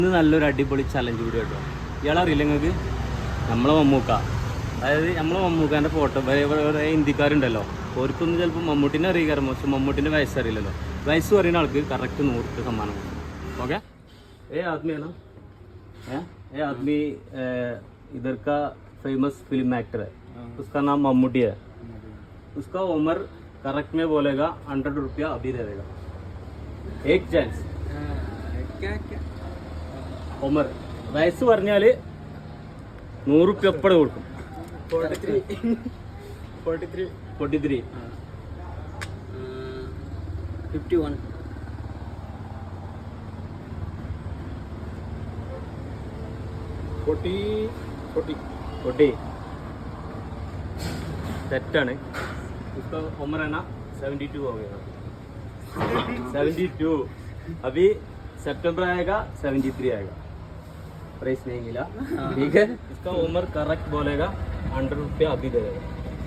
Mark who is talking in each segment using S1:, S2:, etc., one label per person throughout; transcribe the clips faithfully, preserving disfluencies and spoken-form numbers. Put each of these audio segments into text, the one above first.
S1: ഇന്ന് നല്ലൊരു അടിപൊളി ചലഞ്ച് വീഡിയോ കേട്ടോ. ഇയാളറിയില്ല നിങ്ങൾക്ക്? നമ്മളെ മമ്മൂക്ക, അതായത് നമ്മളെ മമ്മൂക്കാൻ്റെ ഫോട്ടോ വേറെ ഹിന്ദിക്കാരുണ്ടല്ലോ, ഓർക്കൊന്നും ചിലപ്പോൾ മമ്മൂട്ടിനെ അറിയിക്കാറ്, പക്ഷെ മമ്മൂട്ടിൻ്റെ വയസ്സറിയില്ലല്ലോ. വയസ്സ് പറയുന്ന ആൾക്ക് കറക്റ്റ് നൂറ് രൂപ സമ്മാനം കൊടുക്കും. ओके ये आदमी है ना, है ये आदमी इधर का फेमस फिल्म एक्टर है, उसका नाम मम्मूटी है. उसका उम्र करेक्ट में बोलेगा हंड्रेड रुपया अभी दे देगा. एक चांस
S2: क्या क्या
S1: ഉമർ വയസ്സ് പറഞ്ഞാൽ നൂറ് റുപ്യ എപ്പോഴും കൊടുക്കും.
S2: Forty three forty three
S1: forty three
S2: fifty one forty forty
S1: forty തെറ്റാണ്. उसका उम्र है ना सेवेंटी टू हो गया. सेवेंटी टू अभी सितंबर आएगा सेवेंटी थ्री आएगा. प्राइस नहीं मिला, ठीक है. इसका उम्र करेक्ट बोलेगा हंड्रेड रुपया अभी दे देगा.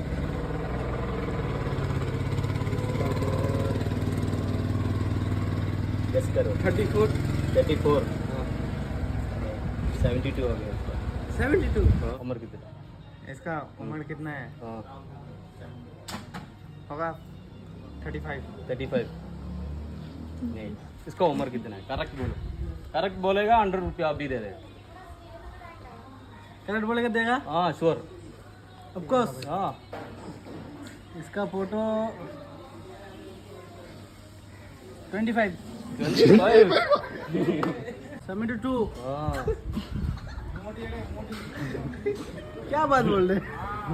S1: गेस करो.
S2: Thirty four
S1: thirty four seventy two हो गया इसका.
S2: सेवेंटी टू
S1: हाँ, उम्र कितना?
S2: इसका उम्र कितना है?
S1: हाँ
S2: होगा थर्टी फाइव
S1: थर्टी फाइव नहीं. इसका उम्र कितना है? करेक्ट बोलो. करेक्ट बोलेगा हंड्रेड रुपया अभी दे देगा.
S2: करेक्ट बोलेगा देगा
S1: हाँ श्योर.
S2: Of course.
S1: हाँ
S2: इसका photo twenty five
S1: twenty five
S2: seventy two
S1: हाँ
S2: क्या बात बोल रहे?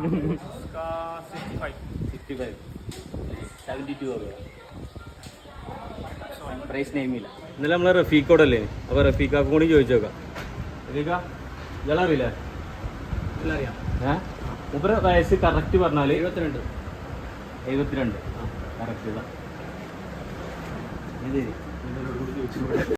S1: सिक्सटी फाइव सेवेंटी टू हो गया. പ്രൈസ് നെയിം ഇല്ല. ഇന്നലെ നമ്മളെ റഫീഖോടല്ലേ, അപ്പോൾ റഫീഖാക്ക് കൂടി ചോദിച്ചു നോക്കാം. റഫീഖ ഇയാളറിയില്ലേ?
S2: അറിയാം.
S1: ഏഹ് മൂപ്പര് വയസ്സ് കറക്റ്റ് പറഞ്ഞാൽ
S2: എഴുപത്തിരണ്ട്
S1: എഴുപത്തിരണ്ട് കറക്റ്റ്.